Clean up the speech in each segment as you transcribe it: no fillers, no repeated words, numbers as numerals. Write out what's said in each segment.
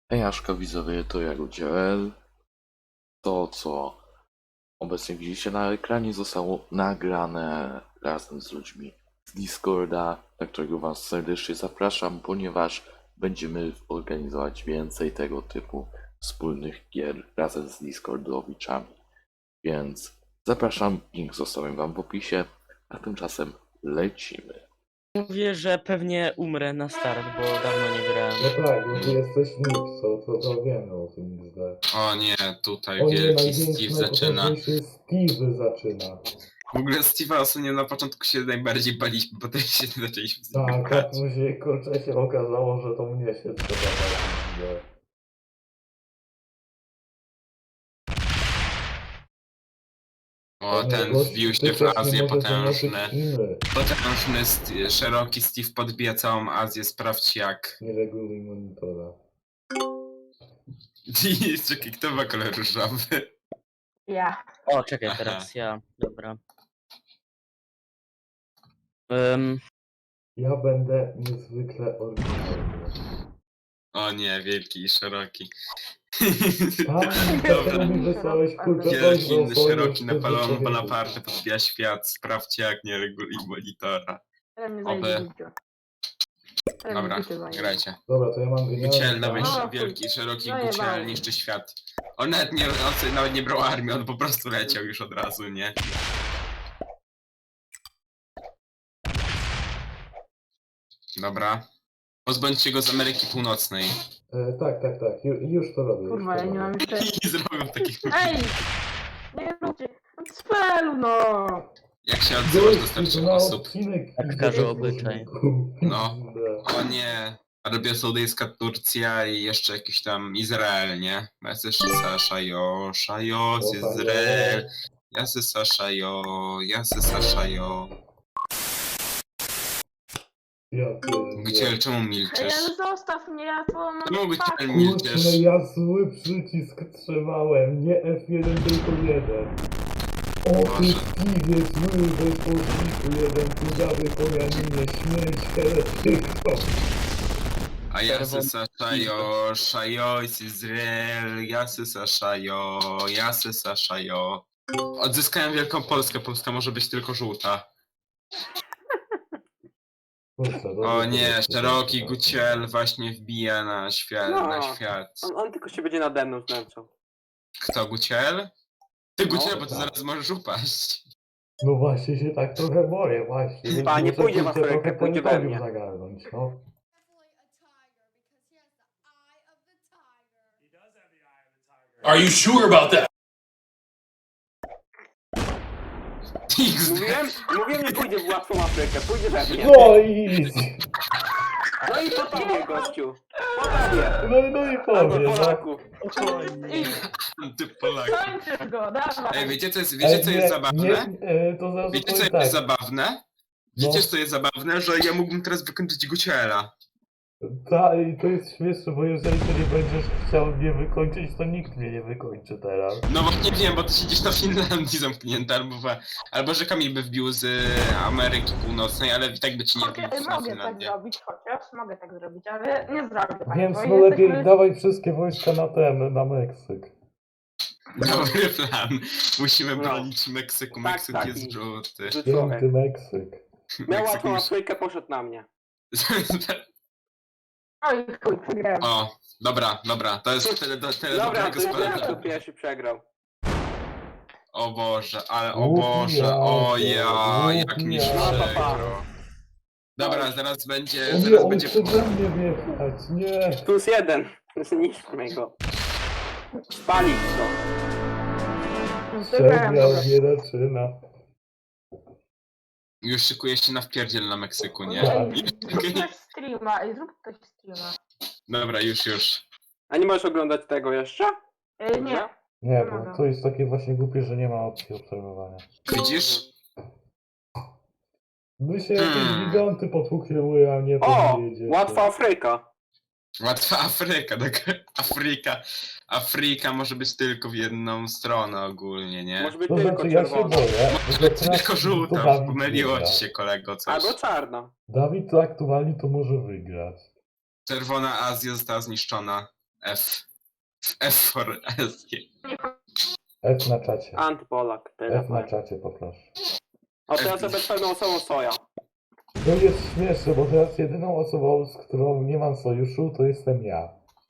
Hejaszka widzowie, to ja Rudziel. To, co obecnie widzicie na ekranie, zostało nagrane razem z ludźmi z Discorda, na którego was serdecznie zapraszam, ponieważ będziemy organizować więcej tego typu wspólnych gier razem z Discordowiczami. Więc zapraszam, link zostawiam wam w opisie, a tymczasem lecimy. Mówię, że pewnie umrę na start, bo dawno nie grałem. No tak, bo ty jesteś Nixo, to wiemy o tym XD. O nie, tutaj O nie, wielki największy, Steve zaczyna. najpotężniejszy Steve zaczyna. W ogóle Steve'a ostatnio na początku się najbardziej baliśmy, potem się zaczęliśmy z nim Tak, a grać. później kurczę się okazało, że to mnie się trzeba dać. O, ten wbił się w Azję potężny. Szeroki Steve podbija całą Azję, sprawdź jak. Nie reguluj monitora. Czekaj, kto ma kolor różowy? Ja. O, czekaj, Aha. teraz ja. Dobra. Ja będę niezwykle oryginalny. O nie, wielki i szeroki. Tak, Dobra. to mi wysłałeś kurczę Wielki, wojsko swoje szeroki wtedy Napoleon człowieku. Bonaparte podbija świat, sprawdźcie jak nie reguluj monitora. Ale mnie Oby. zajebiście. Ale mnie Dobra, życie zajęło. grajcie. Dobra, to ja mam Guciel, genialny dawaj plan. No, wielki, szeroki no, Guciel jebałem. niszczy świat. On nawet nie brał armii, on po prostu leciał już od razu, nie? Dobra. Pozbądźcie go z Ameryki Północnej. Tak, już to robię. Kurwa, ja nie mam jeszcze... I zrobią takich... Ej! Nie róbcie! Spelu, no! Jak się odzywasz do starszych osób? odcinek Tak idzie każe do obyczaj. głośniku. No. Da. O nie. Arabia Saudyjska, Turcja i jeszcze jakiś tam Izrael, nie? Jasy Saszajo, Szajos, Izrael. Jasy Saszajo, Jasy Saszajo. Ja pierdolę. Guciel, czemu Ej, milczysz? ale zostaw mnie, ja to mam... Czemu Guciel Kurczę, milczysz? ja zły przycisk trzymałem, nie F1 tylko 1. O ty Boże. Steve, zły bezpośredniku, jeden cudawy pojaninie, śmierć heretyko. A Jasy Saszajo, Szajos, Izrael, Jasy Saszajo, Jasy Saszajo. Odzyskałem Wielką Polskę, Polska może być tylko żółta. Kurczę, O nie, szeroki Guciel właśnie wbija na świat, No. na świat. On tylko się będzie nade mną znęcał. Kto, Guciel? Ty No, Guciel, bo ty tak. zaraz możesz upaść. No właśnie się tak trochę boję, właśnie. więc A, nie muszę, pójdzie kurczę, was rękę, trochę pójdzie we terytorium mnie. zagarnąć, no. Are you sure about that? Mówiłem, nie pójdzie w łatwą Afrykę, pójdzie we mnie. No i... No i po tobie, gościu. Po tobie. No i Albo powiem, no. Polaków. I Ty Polak. kończysz go, dawaj! Ej, wiecie co jest Nie, zabawne? to znaczy Wiecie co powiem jest tak. zabawne? Wiecie co jest zabawne? Że ja mógłbym teraz wykończyć Guciela. I to jest śmieszne, bo jeżeli ty nie będziesz chciał mnie wykończyć, to nikt mnie nie wykończy teraz. No właśnie wiem, bo ty siedzisz na Finlandii zamknięty, albo że Kamil by wbił z Ameryki Północnej, ale i tak by ci nie wbił na Mogę tak Finlandię. zrobić, chociaż mogę tak zrobić, ale nie zrobię tak. Więc bo no lepiej jesteśmy- dawaj wszystkie wojska na Meksyk. Dobry plan. Musimy No. bronić Meksyku. Tak, Meksyk tak, jest i- żółty. Że człowiek. Piękny Meksyk. Miał Meksyk łatwą już... Afrykę, poszedł na mnie. Oj, chuj, przegrałem. O, dobra. To jest tyle do Dobra, dobrego to ja spadania. to pierwszy przegrał. O Boże, ale o Łup Boże, jajo, o ja, łup jak mnie jajo. przegrał. Dobra, zaraz będzie, O nie, zaraz on będzie... chce we mnie wjechać, nie. +1. Zniszczmy go. Spalić go. Przegrałem, Przegrał, dobra. nie zaczyna. Już szykuje się na wpierdziel na Meksyku, nie? Tak. Ej, zrób ktoś streama, zrób ktoś streama. Dobra, już. A nie możesz oglądać tego jeszcze? Nie. Nie, bo to jest takie właśnie głupie, że nie ma opcji obserwowania. Widzisz? My się jakieś giganty potłukły, a nie O! powiedzieć. Łatwa Afryka. Łatwa Afryka, tak? Afryka może być tylko w jedną stronę ogólnie, nie? Może być To tylko znaczy ja się czerwona. boję. Może że być teraz tylko to żółta, Dawid pomyliło wygra. ci się kolego coś. Albo czarna. Dawid to aktualnie to może wygrać. Czerwona Azja została zniszczona. F. F for S. F na czacie. Antypolak, tyle. F na czacie poproszę. O, to ja sobie z pewną osobą soja. To jest śmieszne, bo teraz jedyną osobą, z którą nie mam sojuszu, to jestem ja.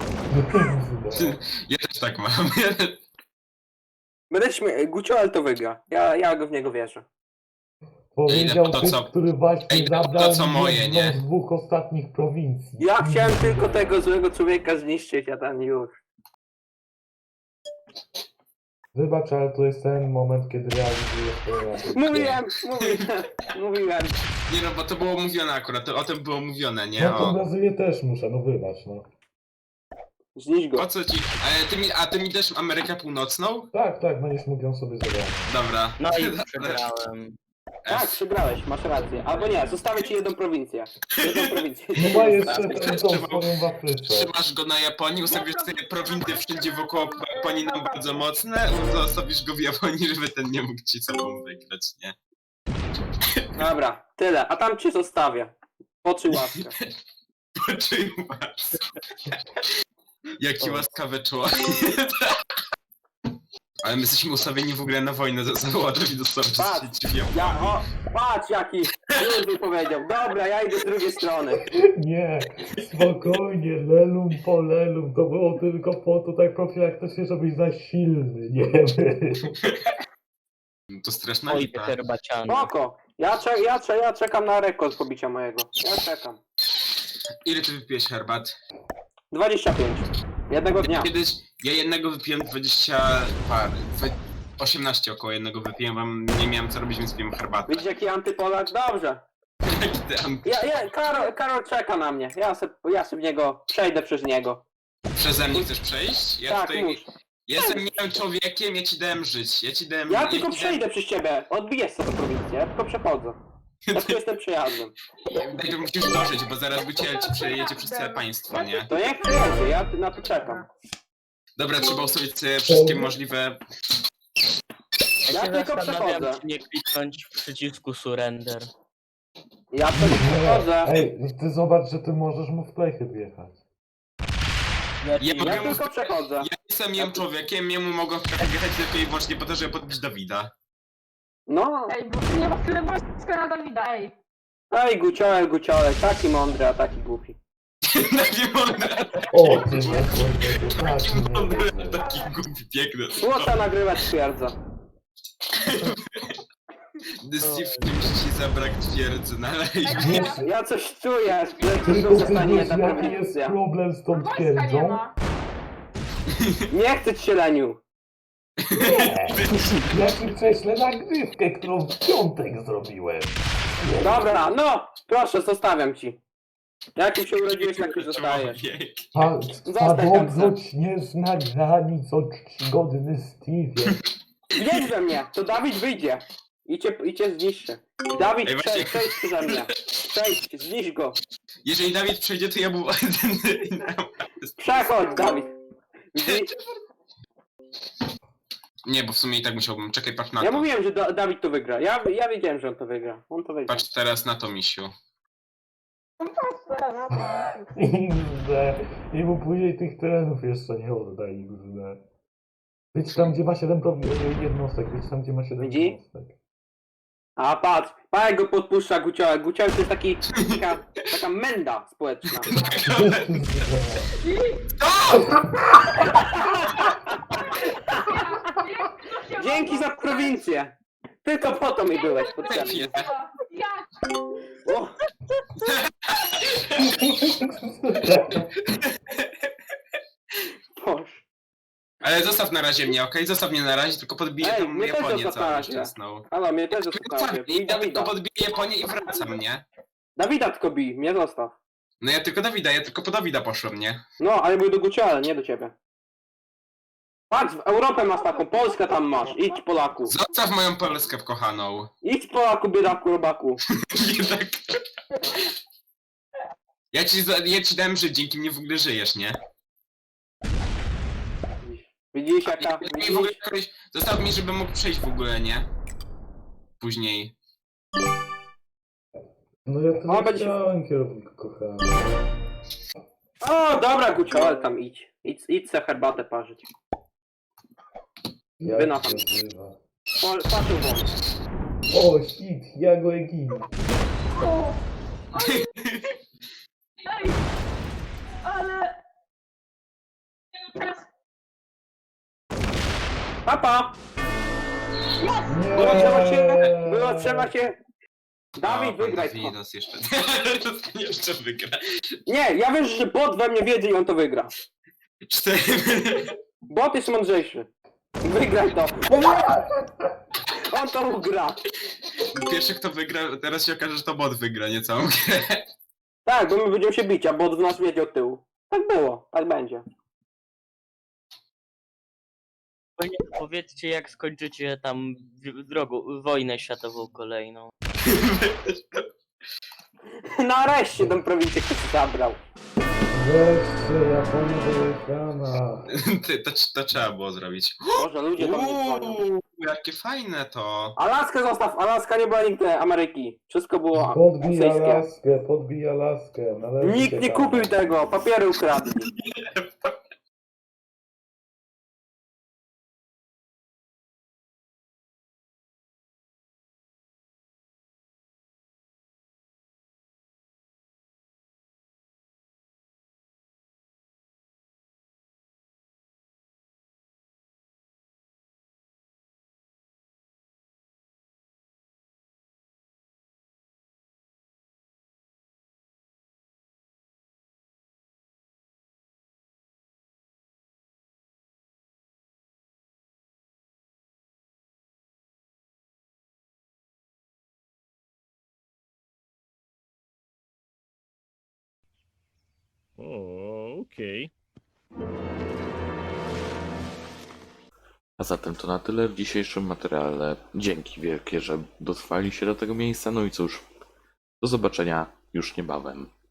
Ja też tak mam. Będę Gucioel to wygra. Ja go w niego wierzę. Powiedział to typ, co- który właśnie Ej, to zabrał co moje, jedną nie? z 2 ostatnich prowincji. Ja chciałem tylko tego złego człowieka zniszczyć, a ten już. Wybacz, ale to jest ten moment, kiedy realizuję swoje Mówiłem. Nie no, bo to było mówione akurat, to o tym było mówione, nie? No to O, Brazylię też muszę, no wybacz, no. Zniszcz go. po co ci... A ty mi dasz Amerykę Północną? Tak, będziesz mógł ją sobie zabrać. Dobra. No i przegrałem. Tak, przegrałeś, masz rację. Albo nie, zostawię ci jedną prowincję. Jedną prowincję. No ma jeszcze Tak, tą swoją w Afryce. Trzymasz go na Japonii, ustawisz sobie prowinty wszędzie wokoło Japonii nam bardzo mocne, zostawisz go w Japonii, żeby ten nie mógł ci sobą wygrać, nie? Dobra, tyle. A tam cię zostawię. Poczuj łaskę. Poczuj łaskę. Jaki łaskawy człowiek. Ale my jesteśmy ustawieni w ogóle na wojnę ze sobą, a drugi dostarczy Patrz, się w Japonii. patrz jaki już mi powiedział. Dobra, ja idę z drugiej strony. Nie, spokojnie, lelum po lelum, to było tylko po to, tak profilaktycznie, żebyś za silny nie był. To straszna Oj, lipa. herbaciany. Spoko. Ja czekam na rekord pobicia mojego. Ja czekam. Ile ty wypijesz herbat? 25. Jednego dnia. Kiedyś ja jednego wypiłem 20 par. 18 około jednego wypiłem, bo nie miałem co robić, więc piłem herbatę. Widzisz jaki antypolak? Dobrze. Karol czeka na mnie. Ja sobie w niego przejdę przez niego. Przeze mnie chcesz przejść? Ja Tak, tutaj mów. jestem miłym człowiekiem, ja ci dałem żyć. Ja ci dałem... Ja tylko ci przejdę przez ciebie. Odbijesz sobie prowincję. Ja tylko przechodzę. Ja tylko jestem przejazdem. Najpierw musisz dożyć, bo zaraz Guciel ci przejedzie przez całe państwo, nie? To niech przejedzie, ja na to czekam. Dobra, trzeba ustawić sobie wszystkie możliwe... Ja Ja się tylko zastanawiam, przechodzę. czy nie kliknąć w przycisku surrender. Ja tylko przechodzę. Ej, ty zobacz, że ty możesz mu w plechy wjechać. Znaczy, Ja Ja tylko przechodzę. Ja jestem miłym człowiekiem, jemu mogą wjechać tylko i wyłącznie po to, żeby podbić Dawida. No. Ej, bo nie ma tyle wojska na Dawida, ej. Ej, Guciołek, taki mądry, a taki głupi. Taki mądry, O, ty nie kurde, taki mądry, tak, taki głupi, piękny. Słota nagrywać twierdza. Steve, musi ci zabrać twierdzy na live. Ja coś czuję, że Tylko tylko ty zostanie wiesz, jedna jaki jest prowincja. problem z tą Wojska nie twierdzą? ma. Nie chcę ci się, Leniu. Nie! Ja ci prześlę nagrywkę, którą w piątek zrobiłem. Dobra, no, proszę, zostawiam ci. Jak się urodziłeś, tak już zostajesz. Człowiek. Padobroć śnieżna granic od czcigodny Steve. Wjedź we mnie, to Dawid wyjdzie. I cię zniszczy. Dawid, Ej, właśnie- przejdź przeze mnie. Przejdź, zniszcz go. Jeżeli Dawid przejdzie, to ja mu... Przechodź, Dawid. Widzisz? Nie, bo w sumie i tak musiałbym. Czekaj, patrz na Ja to. mówiłem, że Dawid to wygra. Ja wiedziałem, że on to wygra. On to wygra. Patrz teraz na to, misiu. I mu później tych terenów jeszcze nie oddaj. Być tam, gdzie ma 7 jednostek. Być tam, gdzie ma 7 Widzi? jednostek. A patrz, jak go podpuszcza Guciołek. Guciołek to jest taka menda społeczna. Dzięki za prowincję. Tylko po to mi byłeś potrzebny. Jak? O, Boże. Ale zostaw na razie mnie, okej? Zostaw mnie na razie, tylko podbiję Ej, tą mnie też Japonię zostaw na całą razie. szczęsną. Halo, mnie też zostawię. Ja Bij tylko Dawida. podbiję Japonię i wracam, nie? Dawida tylko bij, mnie zostaw. No ja tylko Dawida, ja tylko po Dawida poszłem, nie? No, ale był do Gucioła, nie do ciebie. Patrz, w Europę masz taką, Polskę tam masz. Idź Polaku. Zostaw moją Polskę kochaną. Idź Polaku, biedaku, robaku. Nie tak. Ja ci dałem żyć, dzięki mnie w ogóle żyjesz, nie? Widzisz jaka... I w ogóle kogoś zostaw mi, żebym mógł przejść w ogóle, nie? Później. No ja to O, nie będzie- chciałem, kierowniku kochany. O, dobra, Gucioel, tam idź. Idź se herbatę parzyć. Jak Wynocha. się nazywa? Patrzył won. O, shit, ja go egin. O! Ej! Ale... Papa! Nie! Było trzeba się... Dawid, pan wygraj to. Dawidos jeszcze. Jeszcze wygra. Nie, ja wiesz, że bot we mnie wiedzie i on to wygra. 4. Bot jest mądrzejszy. Wygraj to. On to ugra. Pierwszy kto wygra, teraz się okaże, że to bot wygra, nie całą grę. Tak, bo my będziemy się bić, a bot w nas wiedzie od tyłu. Tak było, tak będzie. Powiedzcie, jak skończycie tam wojnę światową kolejną. Nareszcie tą prowincję ktoś zabrał. Wreszcie, Japonia do ekrana. To trzeba było zrobić. Boże, ludzie do mnie dzwonią. Jakie fajne to. Alaskę zostaw, Alaska nie była nigdy Ameryki. Wszystko było Podbij rosyjskie. Alaskę, podbij Alaskę. Należy Nikt się nie tam. kupił tego, papiery ukradli. Okej. A zatem to na tyle w dzisiejszym materiale. Dzięki wielkie, że dotrwali się do tego miejsca. No i cóż, do zobaczenia już niebawem.